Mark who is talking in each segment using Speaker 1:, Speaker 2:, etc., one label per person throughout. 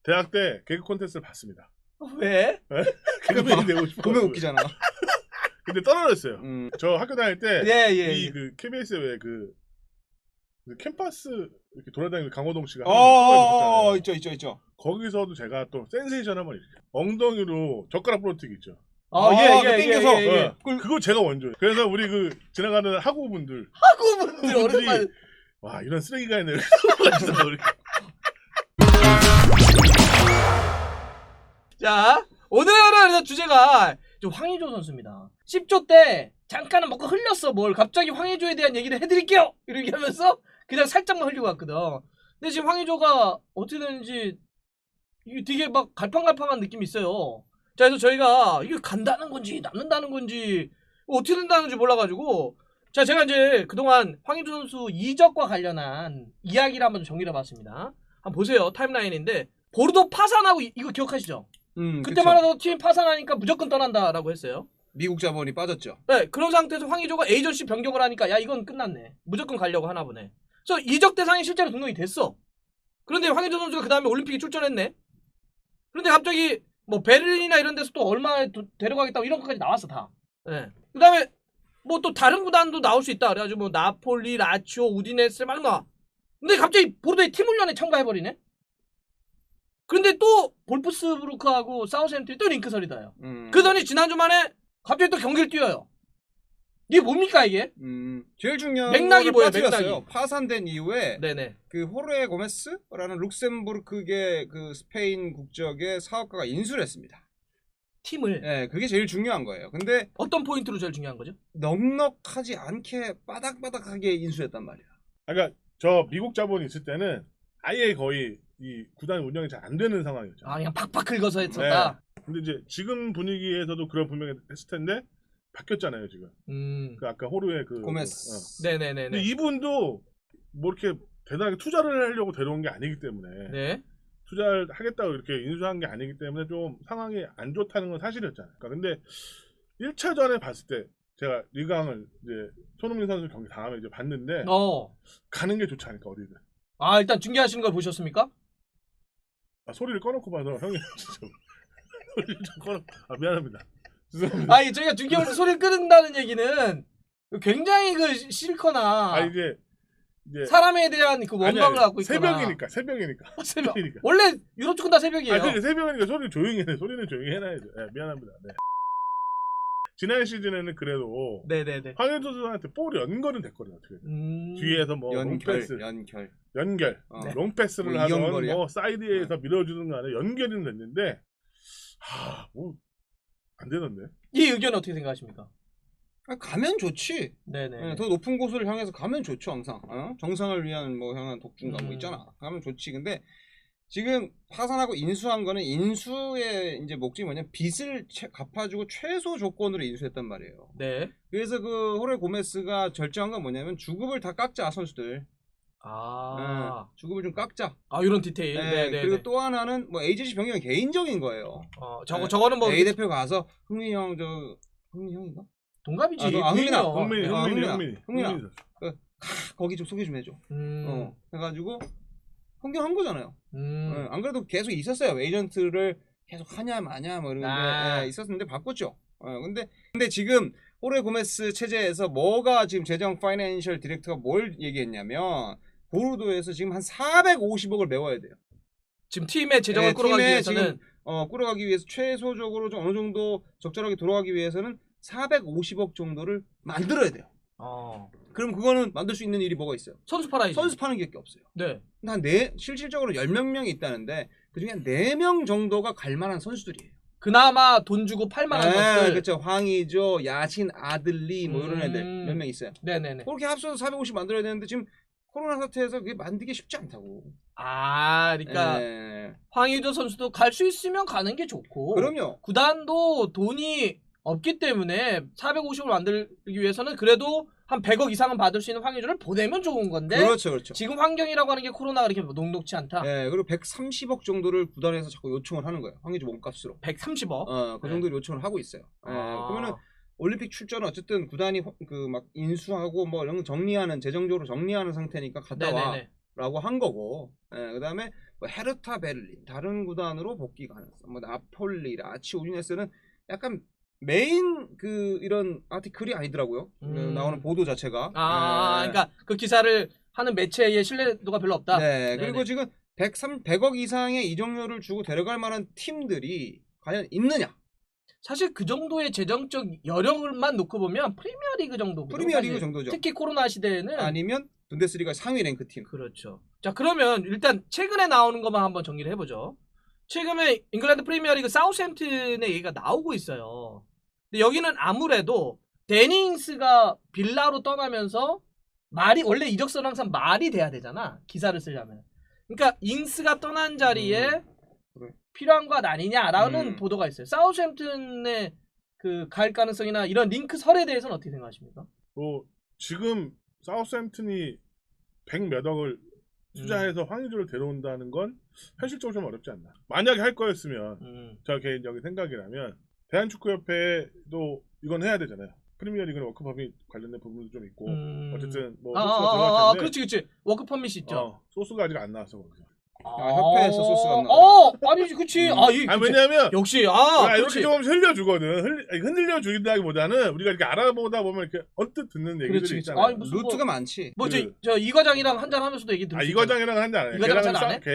Speaker 1: 대학 때 개그 콘테스트를 봤습니다.
Speaker 2: 왜?
Speaker 1: 개그맨이 되고 싶어.
Speaker 3: 보면 웃기잖아.
Speaker 1: 근데 떨어졌어요. 저 학교 다닐 때 이 그 KBS 왜 그 캠퍼스 이렇게 돌아다니는 강호동 씨가
Speaker 3: 있죠.
Speaker 1: 거기서도 제가 또 센세이션 한번 이렇게 엉덩이로 젓가락 부러뜨기 있죠.
Speaker 3: 땡겨서.
Speaker 1: 그거 제가 원조예요. 그래서 우리 그 지나가는 학우분들
Speaker 2: 오랜만에.
Speaker 1: 와 이런 쓰레기가 있네.
Speaker 2: 자, 오늘은 주제가 좀 황의조 선수입니다. 10조 때 잠깐은 먹고 흘렸어 뭘. 갑자기 황의조에 대한 얘기를 해드릴게요. 이렇게 하면서 그냥 살짝만 흘리고 왔거든. 근데 지금 황의조가 어떻게 되는지 이게 되게 막 갈팡갈팡한 느낌이 있어요. 자, 그래서 저희가 이게 간다는 건지 남는다는 건지 어떻게 된다는 건지 몰라가지고 자, 제가 이제 그동안 황의조 선수 이적과 관련한 이야기를 한번 정리를 해봤습니다. 한번 보세요. 타임라인인데 보르도 파산하고 이거 기억하시죠? 그때만 해도 팀 파산하니까 무조건 떠난다라고 했어요.
Speaker 3: 미국 자본이 빠졌죠.
Speaker 2: 네, 그런 상태에서 황의조가 에이전시 변경을 하니까 야 이건 끝났네. 무조건 가려고 하나 보네. 그래서 이적 대상이 실제로 등록이 됐어. 그런데 황의조 선수가 그 다음에 올림픽에 출전했네. 그런데 갑자기 뭐 베를린이나 이런 데서 또 얼마에 데려가겠다고 이런 것까지 나왔어 다. 네. 그 다음에 뭐 또 다른 구단도 나올 수 있다. 그래가지고 뭐 나폴리, 라치오, 우디네스 막 나와. 근데 갑자기 보르도에 팀 훈련에 참가해버리네. 그런데 또 볼프스부르크하고 사우스햄튼이 또 링크설이다요. 그러더니 지난주 만에 갑자기 또 경기를 뛰어요. 이게 뭡니까 이게?
Speaker 3: 제일 중요한
Speaker 2: 맥락이 뭐예요?
Speaker 3: 맥락이 파산된 이후에
Speaker 2: 네네.
Speaker 3: 그 호르헤 고메스라는 룩셈부르크계 그 스페인 국적의 사업가가 인수를 했습니다.
Speaker 2: 팀을.
Speaker 3: 네, 그게 제일 중요한 거예요. 근데
Speaker 2: 어떤 포인트로 제일 중요한 거죠?
Speaker 3: 넉넉하지 않게 바닥바닥하게 인수했단 말이야.
Speaker 1: 그러니까 저 미국 자본이 있을 때는 아예 거의 이 구단 운영이 잘 안 되는 상황이었죠.
Speaker 2: 아 그냥 팍팍 긁어서 했었다.
Speaker 1: 네. 근데 이제 지금 분위기에서도 그런 분명히 했을 텐데 바뀌었잖아요 지금. 그 아까 호르의 그
Speaker 3: 고메스.
Speaker 2: 네네네.
Speaker 1: 근데 이분도 뭐 이렇게 대단하게 투자를 하려고 데려온 게 아니기 때문에
Speaker 2: 네.
Speaker 1: 투자를 하겠다고 이렇게 인수한 게 아니기 때문에 좀 상황이 안 좋다는 건 사실이었잖아요. 그러니까 근데 1차전에 봤을 때 제가 리강을 이제 손흥민 선수 경기 다음에 이제 봤는데 가는 게 좋지 않을까 어디든.
Speaker 2: 아 일단 중계하시는 걸 보셨습니까?
Speaker 1: 아, 소리를 꺼놓고 봐서 형이 진짜 소리를 좀 꺼놓. 아 미안합니다. 죄송합니다.
Speaker 2: 아니 저희가 중계할 때 소리를 끄는다는 얘기는 굉장히 그 싫거나
Speaker 1: 아 이제
Speaker 2: 사람에 대한 그 원망을 갖고 있거나.
Speaker 1: 새벽이니까.
Speaker 2: 원래 유럽 축구는 다 새벽이에요.
Speaker 1: 아 근데 새벽이니까 소리를 조용히 해. 소리는 조용히 해놔야죠. 네, 미안합니다. 네. 지난 시즌에는 그래도
Speaker 2: 네네네.
Speaker 1: 황의조 선수한테 볼이 연결은 됐거든요. 어떻게 뒤에서 뭐 롱패스, 연결, 롱패스를
Speaker 3: 뭐
Speaker 1: 하던 뭐 사이드에서 밀어주는 거 안에 연결은 됐는데 뭐 안 되던데.
Speaker 2: 이 의견은 어떻게 생각하십니까?
Speaker 3: 가면 좋지.
Speaker 2: 네네.
Speaker 3: 네, 더 높은 곳을 향해서 가면 좋죠 항상. 정상을 위한 뭐 향한 독중가 뭐 있잖아. 가면 좋지. 근데 지금 파산하고 인수한 거는 인수의 이제 목적이 뭐냐면 빚을 갚아주고 최소 조건으로 인수했단 말이에요.
Speaker 2: 네.
Speaker 3: 그래서 그 호레 고메스가 결정한 건 뭐냐면 주급을 다 깎자 선수들. 주급을 좀 깎자.
Speaker 2: 이런 디테일.
Speaker 3: 네. 그리고 또 하나는 뭐 에이전시 변경은 개인적인 거예요.
Speaker 2: 저거는 뭐
Speaker 3: A 대표 가서 흥민이 형인가?
Speaker 2: 동갑이지.
Speaker 1: 흥민아.
Speaker 3: 거기 좀 소개 좀 해줘. 해가지고 흥경한 거잖아요. 안 그래도 계속 있었어요. 에이전트를 계속 하냐 마냐 뭐 이런데 있었는데 바꿨죠. 근데 지금 호레 고메스 체제에서 뭐가 지금 재정 파이낸셜 디렉터가 뭘 얘기했냐면 보르도에서 지금 한 450억을 메워야 돼요.
Speaker 2: 지금 팀의 재정을 끌어가기 위해서는
Speaker 3: 끌어가기 위해서 최소적으로 좀 어느 정도 적절하게 돌아가기 위해서는 450억 정도를 만들어야 돼요. 그럼 그거는 만들 수 있는 일이 뭐가 있어요?
Speaker 2: 선수 팔아야지.
Speaker 3: 선수 파는 게 없어요.
Speaker 2: 네.
Speaker 3: 실질적으로 10몇 명이 있다는데 그중에 한 4명 정도가 갈 만한 선수들이에요.
Speaker 2: 그나마 돈 주고 팔 만한 것들.
Speaker 3: 그렇죠. 황의조, 야신, 아들리 뭐 이런 애들 몇 명 있어요.
Speaker 2: 네네네.
Speaker 3: 그렇게 합쳐서 450 만들어야 되는데 지금 코로나 사태에서 그게 만들기 쉽지 않다고.
Speaker 2: 그러니까 황의조 선수도 갈 수 있으면 가는 게 좋고.
Speaker 3: 그럼요.
Speaker 2: 구단도 돈이 없기 때문에 450을 만들기 위해서는 그래도 한 100억 이상은 받을 수 있는 황의조를 보내면 좋은 건데.
Speaker 3: 그렇죠.
Speaker 2: 지금 환경이라고 하는 게 코로나가 그렇게 녹록치 않다.
Speaker 3: 네, 그리고 130억 정도를 구단에서 자꾸 요청을 하는 거예요. 황의조 몸값으로.
Speaker 2: 130억?
Speaker 3: 그 정도로 요청을 하고 있어요. 그러면은 올림픽 출전은 어쨌든 구단이 그 막 인수하고 뭐 이런 거 정리하는 재정적으로 정리하는 상태니까 갔다 와라고 한 거고. 그다음에 뭐 헤르타 베를린 다른 구단으로 복귀 가능성, 뭐 나폴리, 라치오, 우디네스는 약간 메인 그 이런 아티클이 아니더라고요. 나오는 보도 자체가.
Speaker 2: 그러니까 그 기사를 하는 매체의 신뢰도가 별로 없다.
Speaker 3: 네. 그리고 지금 100억 이상의 이적료를 주고 데려갈 만한 팀들이 과연 있느냐?
Speaker 2: 사실 그 정도의 재정적 여력만 놓고 보면 프리미어리그 정도.
Speaker 3: 프리미어리그 정도죠.
Speaker 2: 특히 코로나 시대에는
Speaker 3: 아니면 분데스리가 상위 랭크 팀.
Speaker 2: 그렇죠. 자, 그러면 일단 최근에 나오는 것만 한번 정리를 해보죠. 최근에 잉글랜드 프리미어리그 사우스햄튼의 얘기가 나오고 있어요. 근데 여기는 아무래도 데닝스가 빌라로 떠나면서 말이 원래 이적서는 항상 말이 돼야 되잖아. 기사를 쓰려면. 그러니까 잉스가 떠난 자리에
Speaker 3: 그래.
Speaker 2: 필요한 것 아니냐라는 보도가 있어요. 사우스햄튼의 그 갈 가능성이나 이런 링크 설에 대해서는 어떻게 생각하십니까?
Speaker 1: 지금 사우스햄튼이 100몇 억을 투자해서 황의조를 데려온다는 건 현실적으로 좀 어렵지 않나. 만약에 할 거였으면 저 개인적인 생각이라면 대한축구협회도 이건 해야 되잖아요. 프리미어리그는 워크퍼밋 관련된 부분도 좀 있고 어쨌든 뭐 소스가 들어갈 텐데
Speaker 2: 그렇지 워크퍼밋이 있죠.
Speaker 1: 소스가 아직 안 나왔어 거기서.
Speaker 3: 협회에서 소스가 안 나와.
Speaker 2: 아니지 그치.
Speaker 1: 왜냐면
Speaker 2: 역시
Speaker 1: 이렇게 좀 흘려주거든. 흔들려 주긴다기보다는 우리가 이렇게 알아보다 보면 이렇게 언뜻 듣는 얘기들이 있잖아.
Speaker 3: 루트가 많지.
Speaker 2: 저 이 과장이랑 한잔 하면서도 얘기 들었어요.
Speaker 1: 이 과장이랑 한잔 안 해.
Speaker 2: 이 과장 안 해?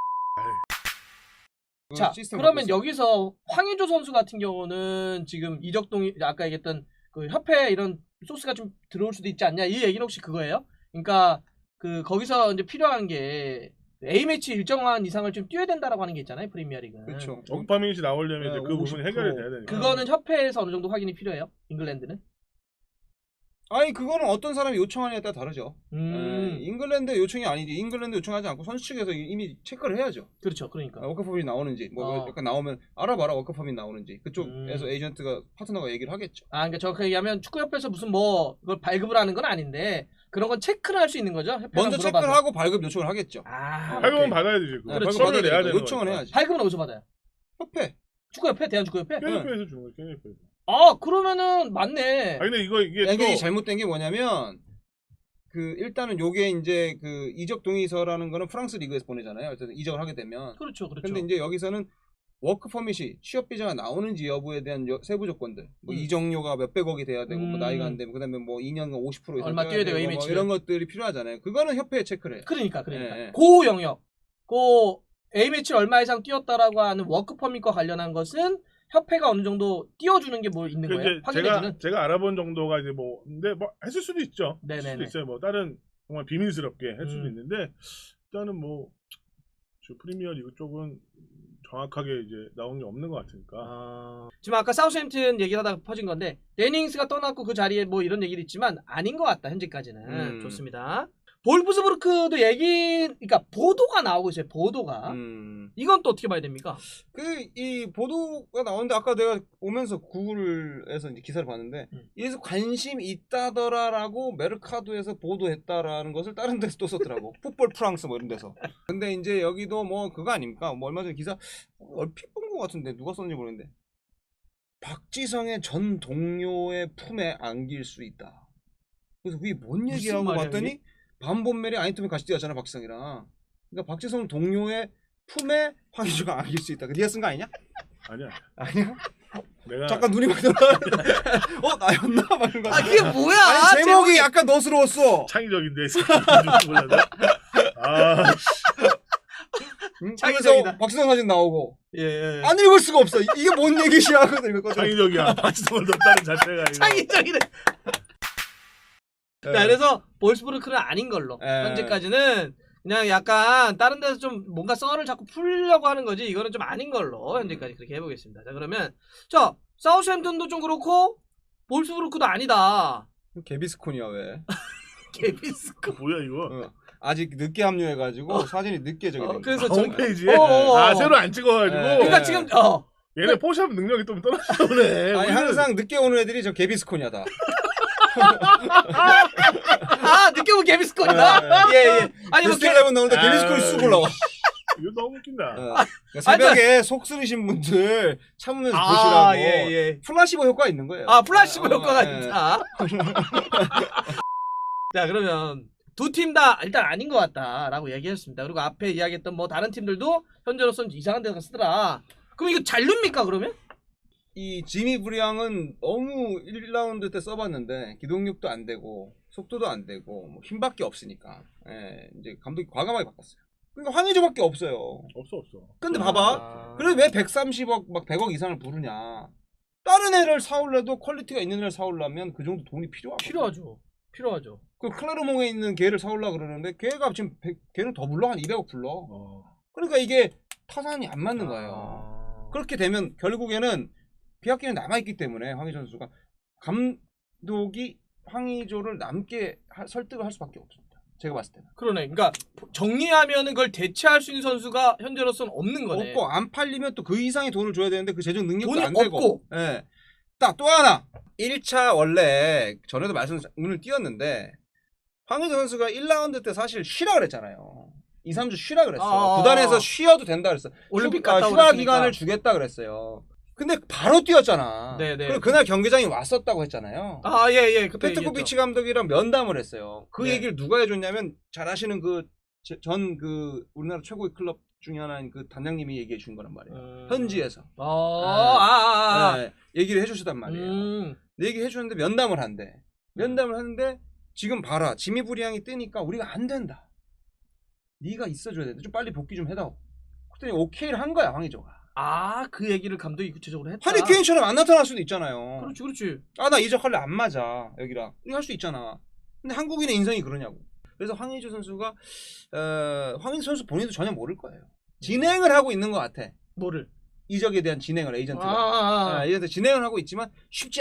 Speaker 2: 자, 그러면 여기서 황의조 선수 같은 경우는 지금 이적동이 아까 얘기했던 그 협회 이런 소스가 좀 들어올 수도 있지 않냐 이 얘기는 혹시 그거예요? 그러니까 그 거기서 이제 필요한 게 A매치 일정한 이상을 좀 뛰어야 된다라고 하는 게 있잖아요 프리미어리그는.
Speaker 3: 그렇죠.
Speaker 1: 워크퍼밋이 나오려면 이제 그 부분이 해결이 돼야 되니까.
Speaker 2: 그거는 협회에서 어느 정도 확인이 필요해요? 잉글랜드는?
Speaker 3: 아니 그거는 어떤 사람이 요청하느냐에 따라 다르죠. 잉글랜드 요청이 아니지. 잉글랜드 요청하지 않고 선수 측에서 이미 체크를 해야죠.
Speaker 2: 그렇죠. 그러니까
Speaker 3: 워크퍼밋이 나오는지 뭐 약간 나오면 알아봐라 워크퍼밋 나오는지 그쪽에서 에이전트가 파트너가 얘기를 하겠죠.
Speaker 2: 그러니까 정확하게 얘기하면 축구협회에서 무슨 뭐 그걸 발급을 하는 건 아닌데 그런 건 체크를 할 수 있는 거죠.
Speaker 3: 먼저 체크를 하고 발급 요청을 하겠죠.
Speaker 1: 발급은 받아야 되지.
Speaker 3: 발급 받아야 내야 되는 요청을 해야지.
Speaker 2: 발급은 어디서 받아요?
Speaker 3: 협회.
Speaker 2: 축구협회, 대한축구협회.
Speaker 1: KF에서 주는 거야. KF에서.
Speaker 2: 그러면은 맞네.
Speaker 1: 근데 이게
Speaker 3: 또 잘못된 게 뭐냐면 일단은 요게 이제 그 이적 동의서라는 거는 프랑스 리그에서 보내잖아요. 어쨌든 이적을 하게 되면.
Speaker 2: 그렇죠.
Speaker 3: 근데 이제 여기서는 워크 퍼밋이 취업 비자가 나오는지 여부에 대한 세부 조건들. 뭐 이적료가 몇백억이 돼야 되고 뭐 나이가 안 되면 그다음에 뭐 2년간 50% 이상
Speaker 2: 얼마 뛰어야 되고
Speaker 3: 뭐 이런 것들이 필요하잖아요. 그거는 협회에 체크를 해요.
Speaker 2: 그러니까. 그 영역. A매치 얼마 이상 뛰었다라고 하는 워크 퍼밋과 관련한 것은 협회가 어느 정도 띄워주는 게 뭐 있는 거예요? 확인해주는?
Speaker 1: 제가 알아본 정도가 이제 뭐 근데 뭐 했을 수도 있죠.
Speaker 2: 네네네.
Speaker 1: 수도 있어요. 뭐 다른 정말 비밀스럽게 할 수도 있는데 일단은 뭐 프리미어리그 쪽은 정확하게 이제 나온 게 없는 것 같으니까.
Speaker 2: 지금 아까 사우스햄튼 얘기를 하다가 퍼진 건데 데닝스가 떠났고 그 자리에 뭐 이런 얘기도 있지만 아닌 것 같다 현재까지는. 좋습니다. 볼프스부르크도 그러니까 보도가 나오고 있어요. 보도가. 이건 또 어떻게 봐야 됩니까?
Speaker 3: 이 보도가 나오는데 아까 내가 오면서 구글에서 이제 기사를 봤는데 이에서 관심 있다더라라고 메르카도에서 보도했다라는 것을 다른 데서 또 썼더라고. 풋볼 프랑스 뭐 이런 데서. 근데 이제 여기도 뭐 그거 아닙니까? 뭐 얼마 전에 기사 얼핏 본 것 같은데 누가 썼는지 모르겠는데 박지성의 전 동료의 품에 안길 수 있다. 그래서 그게 뭔 얘기하고 봤더니 반본멜이 아인토벤 같이 뛰었잖아 박지성이랑. 그러니까 박지성 동료의 품에 황의조가 안길 수 있다. 네가 쓴 거 아니냐? 아니야?
Speaker 1: 내가
Speaker 3: 잠깐 눈이 막 들어가. 나였나? 막 이런 거.
Speaker 2: 그게 뭐야?
Speaker 3: 아니, 제목이 약간 너스러웠어.
Speaker 1: 창의적인데 몰랐네.
Speaker 3: 창의적이다. 박지성 사진 나오고.
Speaker 2: 예.
Speaker 3: 안 읽을 수가 없어. 이게 뭔 얘기시야?
Speaker 1: 창의적이야. 박지성을 넣었다는 자체가
Speaker 2: 창의적이네. 자, 그래서 볼프스부르크는 아닌 걸로 현재까지는 그냥 약간 다른 데서 좀 뭔가 썰을 자꾸 풀려고 하는 거지 이거는 좀 아닌 걸로 현재까지 그렇게 해보겠습니다. 자, 그러면 사우스햄튼도 좀 그렇고 볼프스부르크도 아니다.
Speaker 3: 개비스콘이야 왜?
Speaker 2: 개비스콘
Speaker 1: 뭐야 이거?
Speaker 3: 아직 늦게 합류해가지고 사진이 늦게 저기 된
Speaker 2: 그래서
Speaker 1: 홈페이지에 새로 안 찍어가지고.
Speaker 2: 그러니까 지금
Speaker 1: 얘네 포샵 능력이 좀 떨어지네.
Speaker 3: 아니 항상 늦게 오는 애들이 저 개비스콘이야 다.
Speaker 2: 늦게 오면 개비스콘이다. 예. 아니 뭐
Speaker 3: 스텔레븐 나오는데 개비스콘이 쑥 올라와.
Speaker 1: 이거 너무 웃긴다.
Speaker 3: 새벽에 속 쓰리신 분들 참으면서 보시라고.
Speaker 2: 예.
Speaker 3: 플라시보 효과가 있는 거예요.
Speaker 2: 플라시보 효과가 있다. 자, 그러면 두 팀 다 일단 아닌 것 같다라고 얘기했습니다. 그리고 앞에 이야기했던 뭐 다른 팀들도 현재로서는 이상한 데가 쓰더라. 그럼 이거 잔류입니까 그러면?
Speaker 3: 이 지미 브리앙은 너무 1라운드 때 써봤는데 기동력도 안 되고 속도도 안 되고 뭐 힘밖에 없으니까 이제 감독이 과감하게 바꿨어요. 그러니까 황의조밖에 없어요.
Speaker 1: 없어.
Speaker 3: 근데 봐봐. 그래 왜 130억 막 100억 이상을 부르냐. 다른 애를 사올래도 퀄리티가 있는 애를 사오려면 그 정도 돈이 필요하죠.
Speaker 2: 필요하죠.
Speaker 3: 그 클레르몽에 있는 걔를 사오려 그러는데 걔가 지금 걔는 더 불러 한 200억 불러. 그러니까 이게 타산이 안 맞는 거예요. 그렇게 되면 결국에는 계약기는 남아있기 때문에 황의조 선수가 감독이 황의조를 남게 설득을 할 수밖에 없습니다. 제가 봤을 때는.
Speaker 2: 그러네. 그러니까 정리하면은 그걸 대체할 수 있는 선수가 현재로서는 없는 거네.
Speaker 3: 없고 안 팔리면 또 그 이상의 돈을 줘야 되는데 그 재정 능력도
Speaker 2: 돈이
Speaker 3: 안 되고.
Speaker 2: 없고.
Speaker 3: 예. 딱 또 하나. 1차 원래 전에도 눈을 띄었는데 황의조 선수가 1라운드 때 사실 쉬라 그랬잖아요. 2, 3주 쉬라 그랬어요. 구단에서 쉬어도 된다 그랬어.
Speaker 2: 올림픽 갔다
Speaker 3: 휴가 기간을 주겠다 그랬어요. 근데 바로 뛰었잖아.
Speaker 2: 네네.
Speaker 3: 그리고 그날 경기장에 왔었다고 했잖아요.
Speaker 2: 예.
Speaker 3: 페트코비치 감독이랑 면담을 했어요. 그
Speaker 2: 네.
Speaker 3: 얘기를 누가 해줬냐면 잘 아시는 그 우리나라 최고의 클럽 중에 하나인 그 단장님이 얘기해 준 거란 말이에요. 현지에서. 네, 얘기를 해주시단 말이에요. 얘기해 주는데 면담을 한대. 면담을 하는데 지금 봐라. 지미 브리앙이 뜨니까 우리가 안 된다. 네가 있어줘야 돼. 좀 빨리 복귀 좀 해다오. 그랬더니 오케이를 한 거야 황의조가.
Speaker 2: 그 얘기를 감독이 구체적으로 했다.
Speaker 3: 하리케인처럼 안 나타날 수도 있잖아요.
Speaker 2: 그렇지.
Speaker 3: 나 이적할래 안 맞아 여기랑. 이거 할 수 있잖아. 근데 한국인의 인성이 그러냐고. 그래서 황의조 선수가 황의조 선수 본인도 전혀 모를 거예요. 진행을 하고 있는 것 같아.
Speaker 2: 뭐를?
Speaker 3: 이적에 대한 진행을 에이전트가. 에이전트 진행을 하고 있지만 쉽지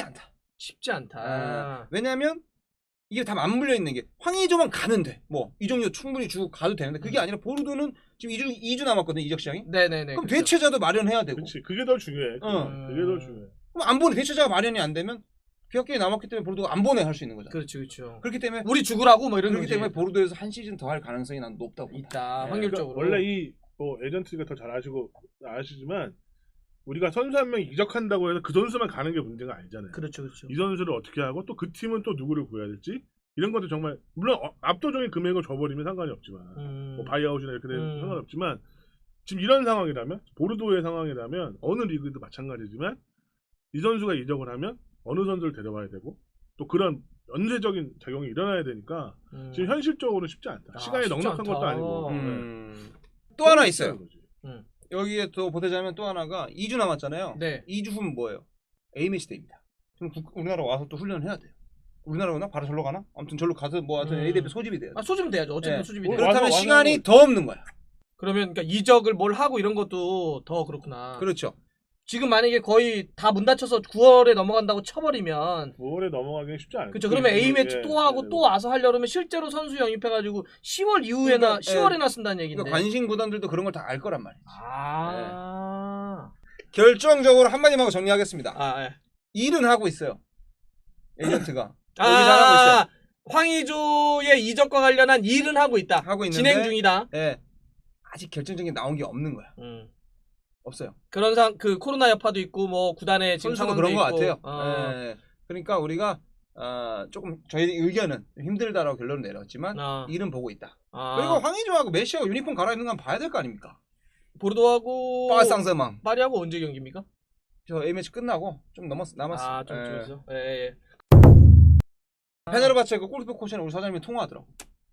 Speaker 3: 않다. 왜냐하면 이게 다 맞물려 있는 게 황의조만 가면 돼. 뭐 이적료 충분히 주고 가도 되는데 그게 아니라 보르도는 지금 2주 남았거든 이적 시장이.
Speaker 2: 네네네.
Speaker 3: 그럼 그렇죠. 대체자도 마련해야 되고.
Speaker 1: 그렇지. 그게 더 중요해. 그게 더 중요해.
Speaker 3: 그럼 안 보내. 대체자가 마련이 안 되면 계약기간이 남았기 때문에 보르도가 안 보내 할 수 있는 거잖아.
Speaker 2: 그렇죠.
Speaker 3: 그렇기 때문에
Speaker 2: 우리 죽으라고 뭐 이런
Speaker 3: 그렇기
Speaker 2: 거지.
Speaker 3: 때문에 보르도에서 한 시즌 더 할 가능성이 난 높다고 봅니다.
Speaker 2: 있다. 확률적으로.
Speaker 1: 그러니까 원래 이 에이전트가 더 잘 아시지만 우리가 선수 한 명 이적한다고 해서 그 선수만 가는 게 문제가 아니잖아요.
Speaker 2: 그렇죠.
Speaker 1: 이 선수를 어떻게 하고 또 그 팀은 또 누구를 구해야 될지 이런 것도 정말 물론 압도적인 금액을 줘버리면 상관이 없지만 뭐 바이아웃이나 이렇게 되면 상관없지만 지금 이런 상황이라면 보르도의 상황이라면 어느 리그도 마찬가지지만 이 선수가 이적을 하면 어느 선수를 데려와야 되고 또 그런 연쇄적인 작용이 일어나야 되니까 지금 현실적으로 쉽지 않다. 시간이 넉넉한 것도 아니고.
Speaker 3: 또 하나 있어요. 여기에 또 보태자면 또 하나가 2주 남았잖아요.
Speaker 2: 네.
Speaker 3: 2주 후면 뭐예요? A매치 때입니다. 그럼 우리나라 와서 또 훈련을 해야 돼요. 우리나라 오나? 바로 절로 가나? 아무튼 절로 가서 뭐 하여튼 A대표 소집이 돼요.
Speaker 2: 소집은 돼야죠. 어쨌든 소집이 돼요.
Speaker 3: 그렇다면 시간이 더 없는 거야.
Speaker 2: 그러면 그러니까 이적을 뭘 하고 이런 것도 더 그렇구나.
Speaker 3: 그렇죠.
Speaker 2: 지금 만약에 거의 다 문 닫혀서 9월에 넘어간다고 쳐버리면
Speaker 1: 9월에 넘어가기는 쉽지 않아요.
Speaker 2: 그렇죠. 그러면 A매치 또 하고 또 와서 하려면 실제로 선수 영입해가지고 10월 이후에나 10월에나 쓴다는 얘기인데.
Speaker 3: 그러니까 관심 구단들도 그런 걸 다 알 거란 말이지. 결정적으로 한마디만 하고 정리하겠습니다. 일은 하고 있어요. 에이전트가.
Speaker 2: 잘하고 있어요. 황의조의 이적과 관련한 일은 하고 있다.
Speaker 3: 하고 있는데
Speaker 2: 진행 중이다.
Speaker 3: 아직 결정적인 게 나온 게 없는 거야. 없어요.
Speaker 2: 그런 그 코로나 여파도 있고 뭐 구단의 지금 상황도
Speaker 3: 그런
Speaker 2: 있고.
Speaker 3: 것 같아요. 그러니까 우리가 조금 저희 의견은 힘들다라고 결론을 내렸지만 일은 보고 있다. 그리고 황의조하고 메시하고 유니폼 갈아입는 건 봐야 될 거 아닙니까?
Speaker 2: 보르도하고
Speaker 3: 파상세망
Speaker 2: 파리하고 언제 경기입니까?
Speaker 3: 저 A매치 끝나고 좀 남았어.
Speaker 2: 좀 줄었어. 예.
Speaker 3: 페네르바체 그 골키퍼 코치는 우리 사장님이 통화하더라고.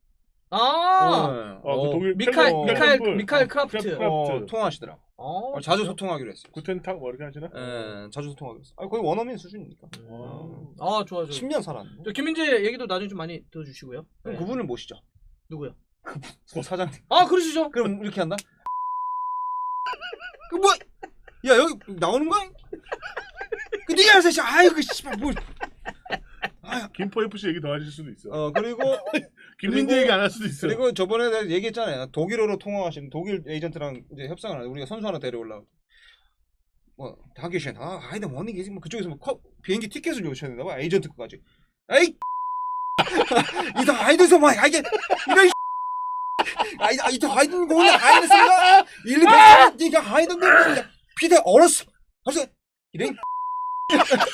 Speaker 1: 그 독일
Speaker 2: 미카엘 크라프트.
Speaker 3: 통화하시더라고. 자주 소통하기로 했어요.
Speaker 1: 구텐탁 뭐 이렇게 하시나?
Speaker 3: 자주 소통하기로 했어요. 거의 원어민 수준이니까.
Speaker 2: 좋아.
Speaker 3: 10년 살았는데.
Speaker 2: 김민재 얘기도 나중에 좀 많이 들어주시고요.
Speaker 3: 그럼 그분을 모시죠.
Speaker 2: 누구요?
Speaker 3: 그 사장님.
Speaker 2: 그러시죠.
Speaker 3: 그럼 이렇게 한다? 그 뭐? 야 여기 나오는 거야? 그 네가 알아서 아이고 씨발 뭘?
Speaker 1: 김포 FC 얘기 더 하실 수도 있어.
Speaker 3: 그리고
Speaker 1: 김민재 얘기 안 할 수도 있어.
Speaker 3: 그리고 저번에 내가 얘기했잖아요. 독일어로 통화하시는 독일 에이전트랑 이제 협상을 하는데 우리가 선수 하나 데려올라고. 뭐 다기쉔 아이다 뭐니 계지 뭐 그쪽에서 뭐 비행기 티켓을 요청해야 된다 봐 에이전트 거까지. 에이 이다 아이드서 뭐 이게 이런 이다 아이든 거는 아이드스가 일리 네가 아이든데 피대 얼었어. 벌써 이런.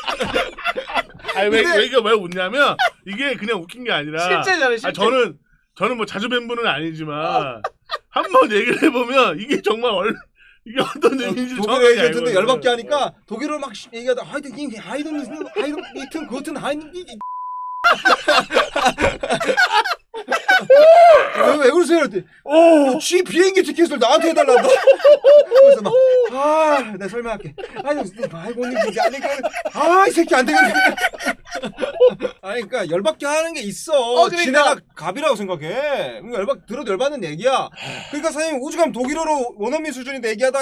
Speaker 1: 왜 이게 왜 웃냐면 이게 그냥 웃긴 게 아니라
Speaker 2: 실제잖아요. 실제.
Speaker 1: 저는 뭐 자주 뵌 분은 아니지만 한번 얘기를 해보면 이게 정말 이게 어떤 의미인지
Speaker 3: 독일어 얘기했는데 열받게 하니까 독일어를 막 얘기하다 하이든 이튼 그튼 하이든 왜 그러세요? 쥐 비행기 티켓을 나한테 해달란다. 그래서 막 내가 설명할게. 아이고님 이제 아니까 이 새끼 안 되겠네. 아니 그러니까 열받게 하는 게 있어.
Speaker 2: 그러니까.
Speaker 3: 지네가 갑이라고 생각해. 그러니까 들어도 열받는 얘기야. 그러니까 사장님 오죽하면 독일어로 원어민 수준인데 얘기하다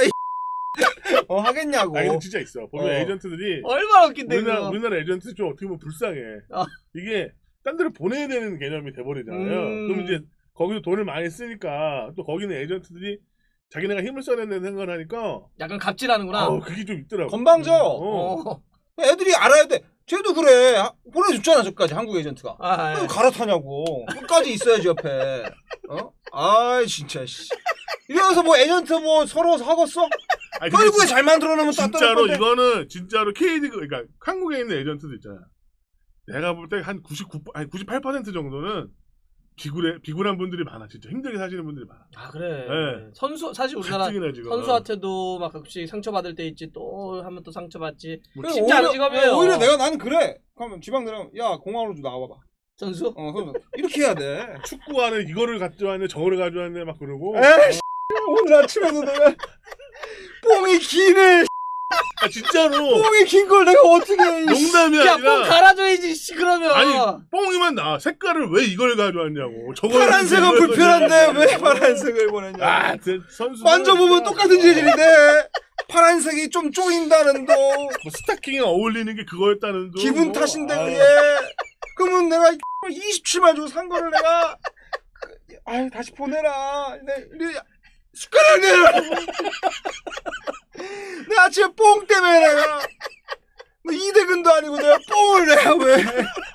Speaker 3: 하겠냐고.
Speaker 1: 아니 근데 진짜 있어. 보면 에이전트들이
Speaker 2: 얼마나 웃긴데
Speaker 1: 우리나라 에이전트 좀 어떻게 보면 불쌍해. 이게 딴 데로 보내야 되는 개념이 돼버리잖아요. 그럼 이제 거기서 돈을 많이 쓰니까 또 거기는 에이전트들이 자기네가 힘을 써야 된다는 생각을 하니까
Speaker 2: 약간 갑질하는구나.
Speaker 1: 그게 좀 있더라고.
Speaker 3: 건방져. 애들이 알아야 돼. 쟤도 그래. 보내줬잖아 저까지 한국 에이전트가. 왜 갈아타냐고. 끝까지 있어야지 옆에. 진짜 씨. 이러면서 뭐 에이전트 뭐 서로 하겠어? 결국에 잘 만들어놓으면
Speaker 1: 진짜로 이거는 진짜로 KD 그러니까 한국에 있는 에이전트도 있잖아. 내가 볼 때 한 98% 정도는 비굴한 분들이 많아. 진짜 힘들게 사시는 분들이 많아.
Speaker 2: 그래.
Speaker 1: 네.
Speaker 2: 선수 사실 우리나라 선수한테도 막 가끔씩 상처받을 때 있지. 또 하면 또 상처받지. 쉽지 않은 직업이에요.
Speaker 3: 오히려 나는 그래. 그러면 지방 내려면 야 공항으로 좀 나와봐.
Speaker 2: 선수?
Speaker 3: 선수. 이렇게 해야 돼.
Speaker 1: 축구하는 이거를 가져왔네 저거를 가져왔네 막 그러고.
Speaker 3: 오늘 아침에도 내가 뽕이 기네.
Speaker 1: 진짜로
Speaker 3: 뽕이 긴 걸 내가 어떻게
Speaker 1: 농담이 아니라
Speaker 2: 뽕 갈아줘야지 그러면.
Speaker 1: 아니 뽕이만 나 색깔을 왜 이걸 가져왔냐고.
Speaker 3: 파란색은 불편한데 왜 파란색을 보냈냐.
Speaker 1: 선수
Speaker 3: 만져보면 똑같은 재질인데 파란색이 좀 쪼인다는 도
Speaker 1: 뭐 스타킹에 어울리는 게 그거였다는 도
Speaker 3: 기분 탓인데 그게. 그러면 내가 27만 주고 산 거를 내가 다시 보내라. 숟가락 내라. 내 아침에 뽕 때문에 내가 이대근도 아니고 내가 뽕을 내가 왜